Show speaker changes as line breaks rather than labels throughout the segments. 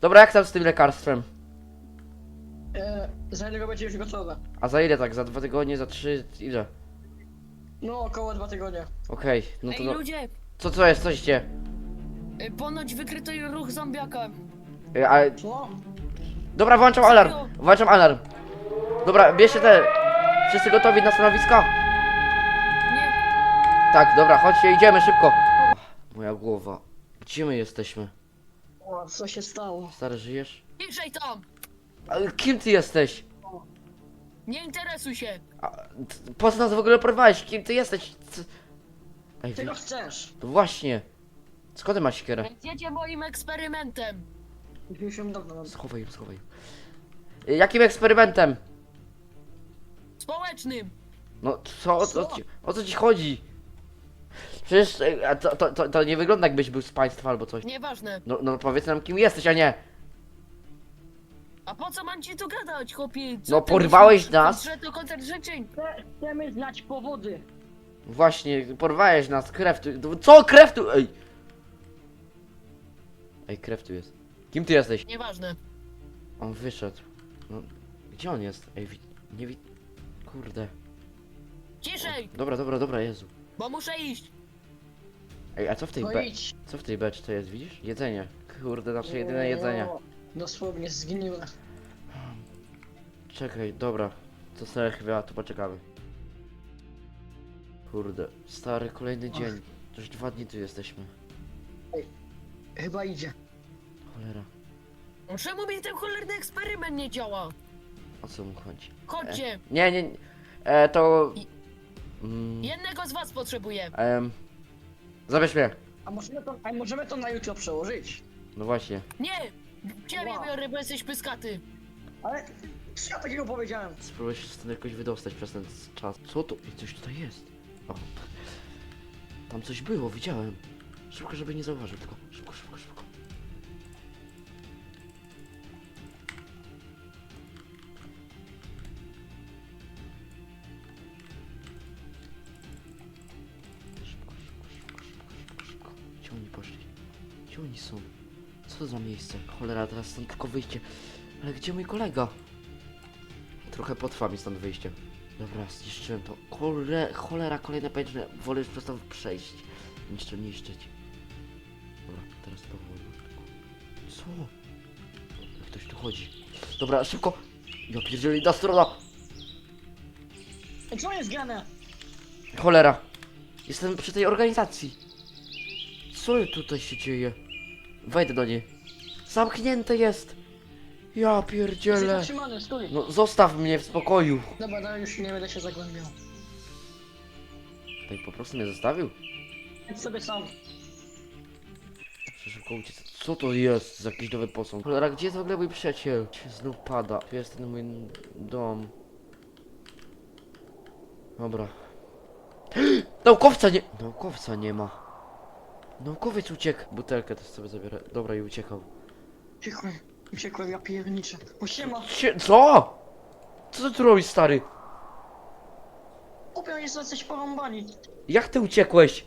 Dobra, jak tam z tym lekarstwem?
Za ile będzie już gotowe?
A za ile tak? Za 2 tygodnie, za 3, ile?
No, około 2 tygodnie.
Okej, no to
Ej,
no.
ludzie!
Co jest, coś dzieje?
Ponoć wykryto ruch zombiaka.
Ale...
Co?
Dobra, włączam alarm! Włączam alarm! Dobra, bierzcie te... Wszyscy gotowi na stanowiska?
Nie,
Tak, dobra, chodźcie, idziemy szybko. Moja głowa. Gdzie my jesteśmy?
O, co się stało?
Stary, żyjesz?
ciszej tam!
Ale kim ty jesteś?
Nie interesuj się!
Po co nas w ogóle porwałeś? Kim ty jesteś? Ej,
Czego chcesz?
to właśnie. Skąd ty masz siekierę?
Więc jedzie moim eksperymentem!
Już ją dawno mam.
Schowaj ją, schowaj ją. Jakim eksperymentem?
Społecznym!
No co? O co ci chodzi? Przecież a to nie wygląda jakbyś był z państwa albo coś.
Nieważne.
No powiedz nam kim jesteś, a nie.
A po co mam ci tu gadać, chłopie? Co
No,
ty
porwałeś
myślisz,
nas.
Że to koncert życzeń!
Chcemy znać powody.
Właśnie, porwałeś nas, krew tu... Co? Krew tu... Ej! Ej, krew tu jest. Kim ty jesteś?
Nieważne.
On wyszedł. No, gdzie on jest? Ej, nie wi... Kurde.
Ciszej!
Dobra, Jezu.
Bo muszę iść!
Ej, a co w tej
No
be...
idź.
Co w tej beczce jest, widzisz? Jedzenie. Kurde, nasze jedyne jedzenie.
No, dosłownie zgniłe.
Czekaj, dobra. To sobie chyba tu poczekamy. Kurde, stary, kolejny dzień. Już 2 dni tu jesteśmy.
Chyba idzie.
Cholera,
No czemu mi ten cholerny eksperyment nie działa?
o co mu chodzi?
Chodźcie!
Nie. To...
Jednego z was potrzebuję!
Zabierz mnie.
A możemy to na jutro przełożyć?
No właśnie.
Nie! Ciebie
Wow.
biorę, bo jesteś pyskaty!
Ale co ja takiego powiedziałem?
Spróbuję się stąd jakoś wydostać przez ten czas. Co to? I coś tutaj jest. O. Tam coś było, widziałem. Szybko, żeby nie zauważył, tylko szybko. Szybko. Gdzie oni poszli? Gdzie oni są? Co to za miejsce? Cholera, teraz stąd tylko wyjście. Ale gdzie mój kolega? Trochę potrwa mi stąd wyjście. Dobra, zniszczyłem to. Cholera, kolejne pęczne. Wolę już przez to przejść, niż to niszczyć. Dobra, teraz powoli. Co? Jak ktoś tu chodzi? Dobra, szybko! Ja pierdzielę, inna strona!
Co jest grane?
Cholera! Jestem przy tej organizacji. Co tutaj się dzieje? Wejdę do niej. Zamknięte jest! Ja
Jesteś
pierdzielę!
zatrzymany, stój.
No zostaw mnie w spokoju!
Dobra, no już nie będę się zagłębiał.
Tak po prostu mnie zostawił?
Idź sobie sam.
Muszę szybko uciec. Co to jest za jakiś nowy posąg? Cholera, gdzie jest w ogóle mój przyjaciel? Się znów pada. Tu jest ten mój dom. Dobra. Naukowca nie ma. Naukowiec uciekł. Butelkę też sobie zabiorę. Dobra, i uciekał.
Uciekłem, ja pierniczę. O siema.
Co? Co ty tu robisz, stary?
Kupią jest jacyś porąbani.
Jak ty uciekłeś?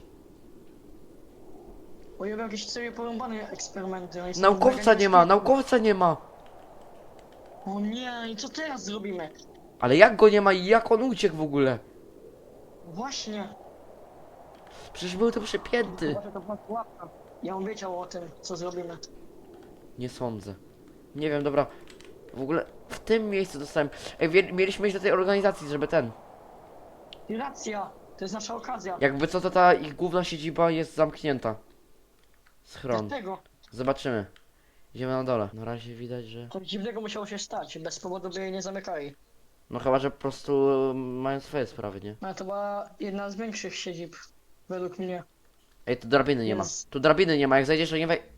Bo ja jakieś sobie porąbane eksperymenty. oni są
Naukowca
mega
nie ma,
niebezpieczni.
naukowca nie ma.
O nie, i co teraz zrobimy?
Ale jak go nie ma i jak on uciekł w ogóle?
Właśnie.
Przecież był tu przypięty.
Zobaczę, to była pułapka. Ja bym wiedział o tym, co zrobimy.
Nie sądzę. Nie wiem, dobra. W ogóle w tym miejscu dostałem... Ej, mieliśmy iść do tej organizacji, żeby ten...
I racja, to jest nasza okazja.
Jakby co, to ta ich główna siedziba jest zamknięta. Schron.
Dlatego
Zobaczymy. Idziemy na dole. Na razie widać, że...
coś dziwnego musiało się stać. Bez powodu by jej nie zamykali.
No chyba, że po prostu mają swoje sprawy, nie?
Ale to była jedna z większych siedzib. Według mnie.
Ej, tu drabiny nie ma.
Jest.
Tu drabiny nie ma, jak zejdziesz, to nie wej...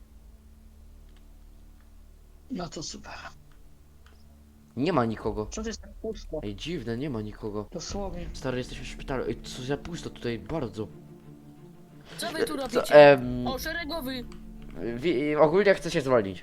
No to super.
Nie ma nikogo.
Co to jest tak pusto?
Ej, dziwne, nie ma nikogo.
Dosłownie.
Stary, jesteśmy w szpitalu. Ej, co za pusto tutaj, bardzo.
Co wy tu
Co,
robicie? O, szeregowy!
ogólnie chcę się zwolnić.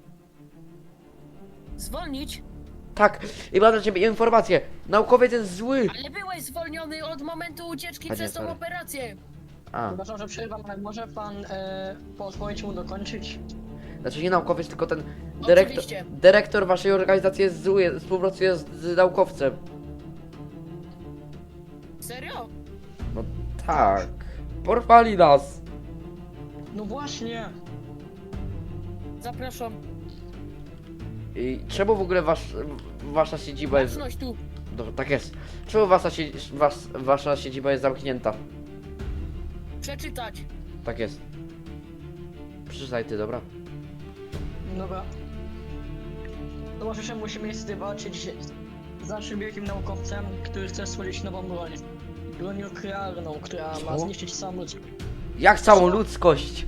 Zwolnić?
Tak, i mam dla ciebie informację. Naukowiec jest zły.
Ale byłeś zwolniony od momentu ucieczki
A nie,
przez tą
sorry.
operację!
A,
Przepraszam, że przerwam, ale może pan pozwolić mu dokończyć?
Znaczy nie naukowiec, tylko ten dyrektor,
Oczywiście.
dyrektor waszej organizacji jest zły, współpracuje z naukowcem.
Serio?
No tak. Porwali nas.
No właśnie.
Zapraszam.
I czemu w ogóle wasza siedziba jest...
Baczność tu.
Dobrze, tak jest. Czemu wasza siedziba jest zamknięta?
Przeczytać.
Tak jest. Przeczytaj ty, dobra?
Dobra. Towarzysze, musimy niestety walczyć z naszym wielkim naukowcem, który chce stworzyć nową broń. Broń nuklearną, która ma
Co?
zniszczyć całą ludzkość.
Jak całą ludzkość?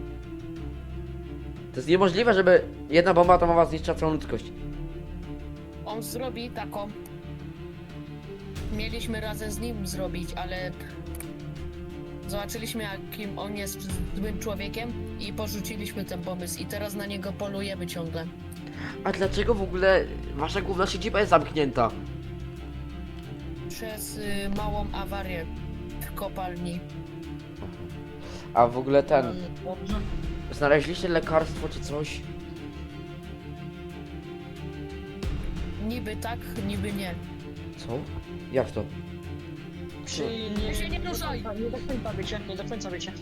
To jest niemożliwe, żeby jedna bomba atomowa zniszczyła całą ludzkość.
On zrobi taką. Mieliśmy razem z nim zrobić, ale zobaczyliśmy, jakim on jest złym człowiekiem i porzuciliśmy ten pomysł i teraz na niego polujemy ciągle.
A dlaczego w ogóle wasza główna siedziba jest zamknięta?
Przez małą awarię w kopalni.
A w ogóle ten...
Dobrze.
Znaleźliście lekarstwo czy coś?
Niby tak, niby nie.
Co? Jak to?
Czyli
Ty się nie ruszaj!
Nie do końca wiecie, nie do końca wiecie.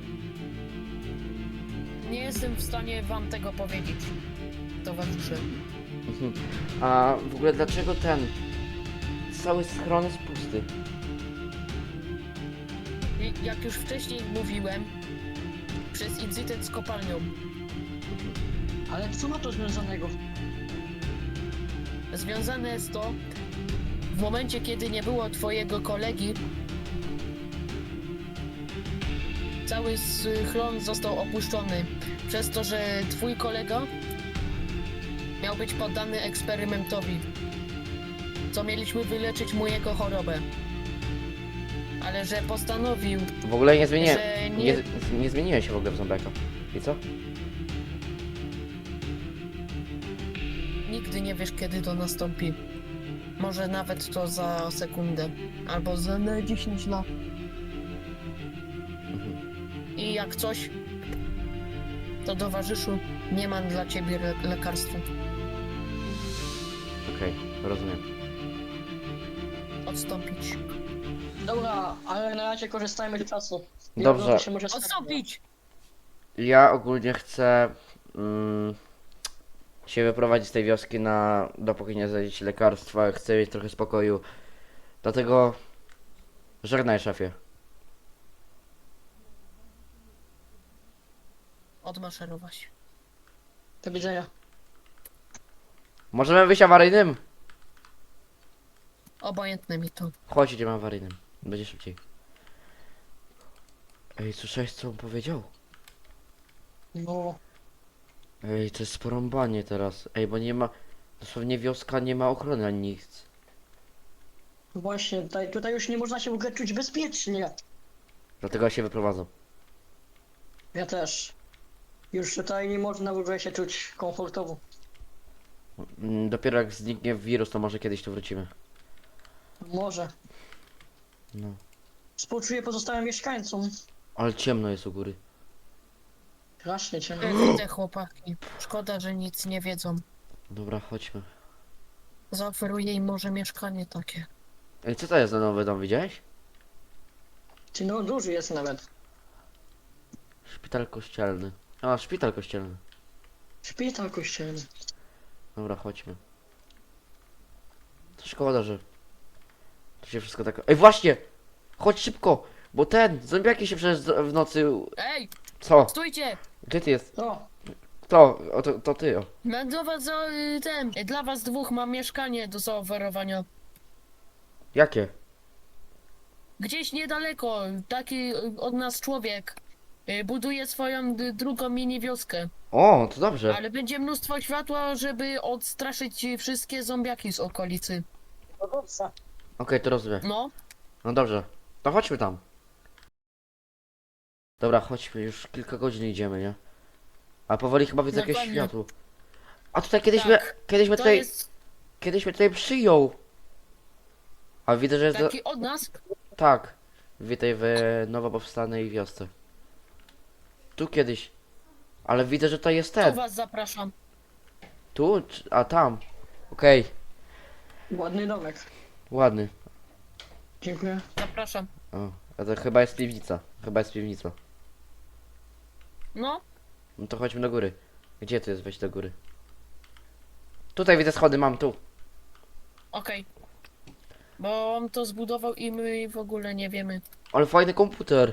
Nie jestem w stanie wam tego powiedzieć, towarzysze.
Mhm. A w ogóle dlaczego ten... Cały schron jest pusty?
I jak już wcześniej mówiłem, przez incydent z kopalnią.
Ale co ma to związanego?
Związane jest to, w momencie kiedy nie było twojego kolegi, cały schron został opuszczony, przez to, że twój kolega miał być poddany eksperymentowi, co mieliśmy wyleczyć mu jego chorobę. Ale że postanowił,
W ogóle nie zmieniłem...
że
Nie zmieniłem się w ogóle w zombiaka. I co?
nigdy nie wiesz, kiedy to nastąpi. Może nawet to za sekundę, albo za 10 lat.
Mhm.
I jak coś, to towarzyszu, nie mam dla ciebie lekarstwa.
Okej, rozumiem.
Odstąpić.
Dobra, ale na razie korzystajmy z czasu.
Dobrze.
To się może stać.
Odstąpić!
Ja ogólnie chcę się wyprowadzić z tej wioski dopóki nie znajdziecie lekarstwa, chcę mieć trochę spokoju. Dlatego żegnaj, szefie.
Odmaszerować.
Do widzenia.
Możemy wyjść awaryjnym?
Obojętne mi to.
Chodź, idziemy awaryjnym. Będzie szybciej. Ej, słyszałeś co on powiedział?
No,
Ej, to jest porąbanie teraz. Ej, bo nie ma... Dosłownie wioska nie ma ochrony ani nic.
właśnie, tutaj już nie można się w ogóle czuć bezpiecznie.
Dlatego ja się wyprowadzam.
Ja też. Już tutaj nie można w ogóle się czuć komfortowo.
Dopiero jak zniknie wirus, to może kiedyś tu wrócimy.
Może.
No.
Współczuję pozostałym mieszkańcom.
Ale ciemno jest u góry.
Strasznie cię.
Widzę chłopaki. Szkoda, że nic nie wiedzą.
Dobra, chodźmy.
Zaoferuję im może mieszkanie takie.
Ej, co to jest za nowy dom, widziałeś?
Czy no duży jest nawet.
Szpital kościelny. A, szpital kościelny.
Szpital kościelny.
Dobra, chodźmy. To szkoda, że... To się wszystko tak... Ej, właśnie! Chodź szybko! Bo zombiaki się przecież w nocy...
Ej,
Co?
stójcie!
Gdzie ty jest?
O,
Kto? O, to ty, o.
Mam do was dla was dwóch mam mieszkanie do zaoferowania.
Jakie?
Gdzieś niedaleko, taki od nas człowiek buduje swoją drugą mini wioskę.
O, to dobrze.
Ale będzie mnóstwo światła, żeby odstraszyć wszystkie zombiaki z okolicy.
no dobrze.
Okej, to rozumiem.
No,
No dobrze. To chodźmy tam. Dobra, chodźmy, już kilka godzin idziemy, nie? A powoli chyba widzę jakieś
Dokładnie.
światło. A tutaj kiedyś
Tak. To
tutaj...
jest
Kiedyś mnie tutaj przyjął. A widzę, że jest...
taki od nas.
Tak. Witaj w nowo powstanej wiosce. Tu kiedyś. Ale widzę, że to jest
Tu
ten.
was zapraszam.
Tu? A tam. Okej,
Ładny domek.
ładny.
Dziękuję.
Zapraszam.
O, a to chyba jest piwnica. Chyba jest piwnica.
No,
No to chodźmy do góry. Gdzie tu jest wejść do góry? Tutaj widzę schody, mam tu.
okej. Bo on to zbudował i my w ogóle nie wiemy.
Ale fajny komputer.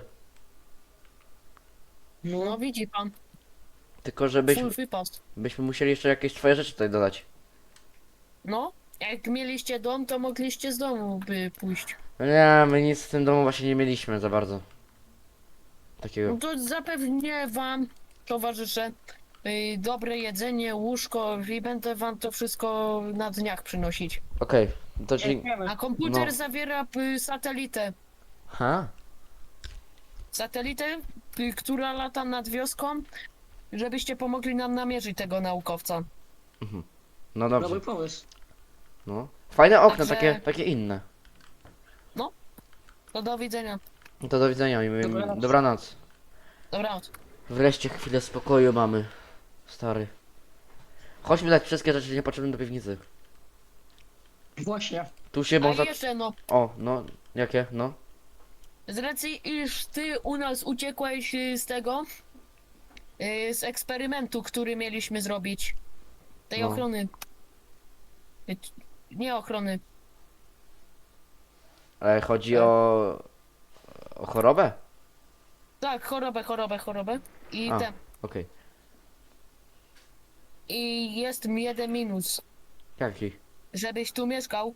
No widzi pan,
Tylko
full wypas.
byśmy musieli jeszcze jakieś twoje rzeczy tutaj dodać.
No, jak mieliście dom, to mogliście z domu by pójść.
No nie, my nic w tym domu właśnie nie mieliśmy za bardzo.
No
Takiego.
to zapewnię wam, towarzysze, dobre jedzenie, łóżko i będę wam to wszystko na dniach przynosić.
Okej, to czyli...
Dziękujemy.
A komputer
No.
zawiera satelitę.
Ha?
Satelitę, która lata nad wioską, żebyście pomogli nam namierzyć tego naukowca.
No dobrze.
Dobry pomysł.
No. Fajne okno,
Także-
takie inne.
To do widzenia.
No to do widzenia i
Dobranoc.
dobranoc.
Dobranoc.
Wreszcie chwilę spokoju mamy. Stary. Chodźmy dać wszystkie rzeczy niepotrzebne do piwnicy.
Właśnie.
Tu się
A
można...
jeszcze no,
O, no. Jakie? No.
z racji iż ty u nas uciekłeś z tego, z eksperymentu, który mieliśmy zrobić. Tej
No.
ochrony. Nie ochrony.
Ale chodzi o... O chorobę?
Tak, chorobę. I
A.
te.
Okej.
I jest jeden minus.
Jaki?
Żebyś tu mieszkał,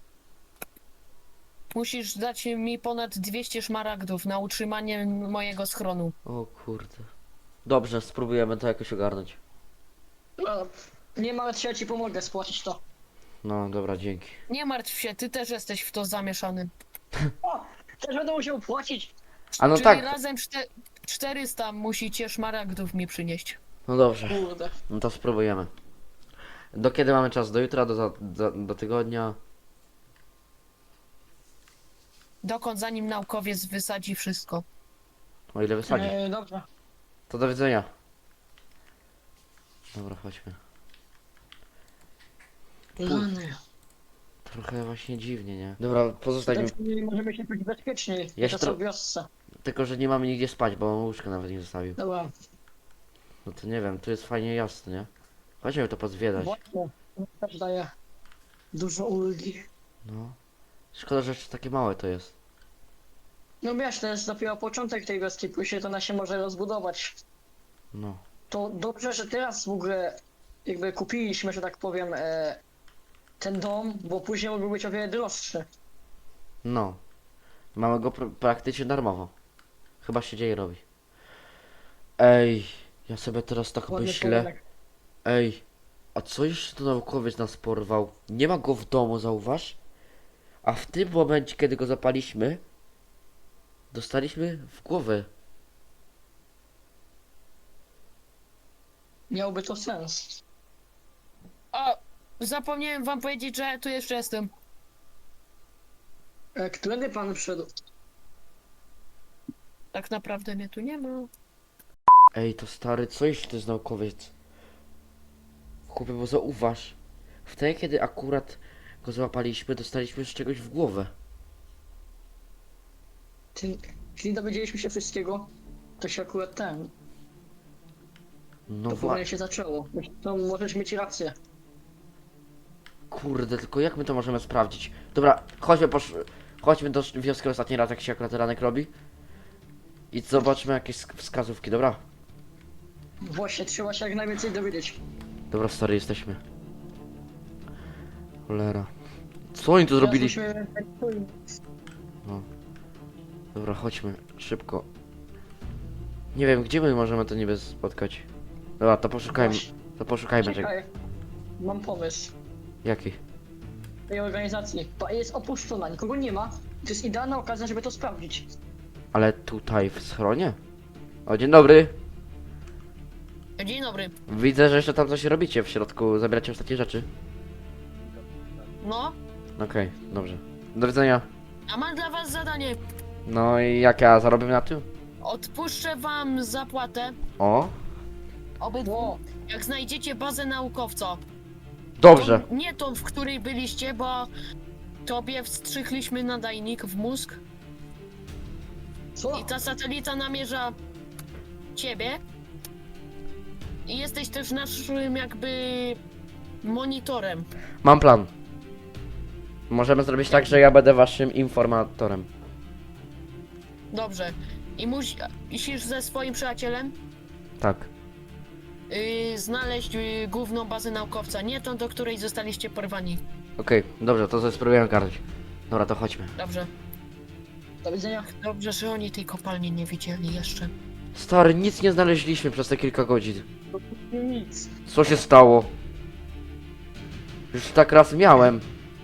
musisz dać mi ponad 200 szmaragdów na utrzymanie mojego schronu.
O kurde. Dobrze, spróbujemy to jakoś ogarnąć.
No, nie martw się, ja ci pomogę spłacić to.
No, dobra, dzięki.
Nie martw się, ty też jesteś w to zamieszany.
O! Też będę musiał płacić.
A no
Czyli
tak.
razem 400 musicie szmaragdów mi przynieść.
No dobrze.
Kurde.
No to spróbujemy. Do kiedy mamy czas? Do jutra? Do tygodnia?
Dokąd zanim naukowiec wysadzi wszystko.
O ile wysadzi.
Dobrze.
To do widzenia. Dobra, chodźmy.
Rany.
Trochę właśnie dziwnie, nie? Dobra, pozostań mi.
Tak możemy się czuć bezpieczniej.
Ja się
to są
tro-
w wiosce.
Tylko, że nie mamy nigdzie spać, bo on łóżka nawet nie zostawił.
Dobra.
No to nie wiem, tu jest fajnie jasno, nie? Chodźmy to pozwiedzać.
Właśnie. To też daje dużo ulgi.
No. Szkoda, że jeszcze takie małe to jest.
No wiesz, to jest dopiero początek tej wioski, później to ona się może rozbudować.
No.
To dobrze, że teraz w ogóle jakby kupiliśmy, że tak powiem, ten dom, bo później mógłby być o wiele droższy.
No. Mamy go praktycznie darmowo. Chyba się dzieje robi. Ej, ja sobie teraz tak
Ładny
myślę.
budynek.
Ej, a co jeszcze to naukowiec nas porwał? Nie ma go w domu, zauważ? A w tym momencie, kiedy go zapaliśmy, dostaliśmy w głowę.
Miałby to sens.
O, zapomniałem wam powiedzieć, że tu jeszcze jestem.
Którędy pan wszedł?
Tak naprawdę mnie tu nie ma.
Ej, to stary, co jeszcze to jest naukowiec? Chłopie, bo zauważ. Wtedy, kiedy akurat go złapaliśmy, dostaliśmy z czegoś w głowę.
Czyli dowiedzieliśmy się wszystkiego, to się akurat ten.
No
To powoli się zaczęło. To możesz mieć rację.
kurde, tylko jak my to możemy sprawdzić? Dobra, chodźmy do wioski ostatni raz, jak się akurat ranek robi. I zobaczmy jakieś wskazówki, dobra?
Właśnie, trzeba się jak najwięcej dowiedzieć.
Dobra, stary, jesteśmy. Cholera. Co oni tu zrobili?
Teraz musimy-
Dobra, chodźmy, szybko. Nie wiem, gdzie my możemy to niby spotkać. Dobra, to poszukajmy.
Właśnie,
To poszukajmy czego.
czekaj. Mam pomysł.
Jaki?
Tej organizacji. Jest opuszczona, nikogo nie ma. To jest idealna okazja, żeby to sprawdzić.
Ale tutaj w schronie? O, dzień dobry.
Dzień dobry.
Widzę, że jeszcze tam coś robicie w środku, zabieracie ostatnie rzeczy.
No,
Okej, dobrze. Do widzenia.
a mam dla was zadanie.
No i jak ja zarobię na tym?
Odpuszczę wam zapłatę
O,
obydwu.
Ło,
Jak znajdziecie bazę naukowca,
Dobrze.
to nie tą, w której byliście, bo tobie wstrzykliśmy nadajnik w mózg
co?
i ta satelita namierza ciebie. I jesteś też naszym jakby monitorem.
Mam plan. Możemy zrobić tak, że ja będę waszym informatorem.
Dobrze. I musisz ze swoim przyjacielem
Tak.
znaleźć główną bazę naukowca, nie tą, do której zostaliście porwani.
Okej, dobrze, to sobie spróbuję ogarnąć. Dobra, to chodźmy.
Dobrze.
Do widzenia.
Dobrze, że oni tej kopalni nie widzieli jeszcze.
Stary, nic nie znaleźliśmy przez te kilka godzin.
Nic.
Co się stało? Już tak raz miałem.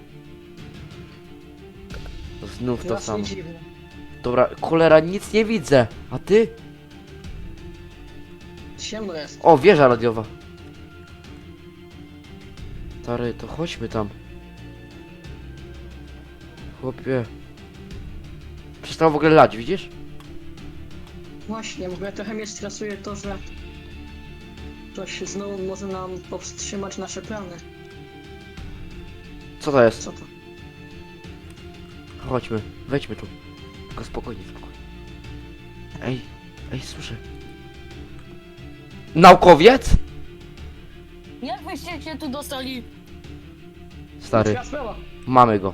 Znów to
Teraz
samo.
nie dziwne.
Dobra, cholera, nic nie widzę. A ty?
Ciemno jest.
O, wieża radiowa. Stary, to chodźmy tam. Chłopie. Przestało w ogóle lać, widzisz?
Właśnie, w ogóle trochę mnie stresuje to, że ktoś znowu może nam powstrzymać nasze plany.
Co to jest?
Co to?
Chodźmy, wejdźmy tu. Tylko spokojnie, spokojnie. Ej, słyszę. Naukowiec?
Jak wyście się tu dostali?
Stary,
Ciekawa sprawa.
mamy go.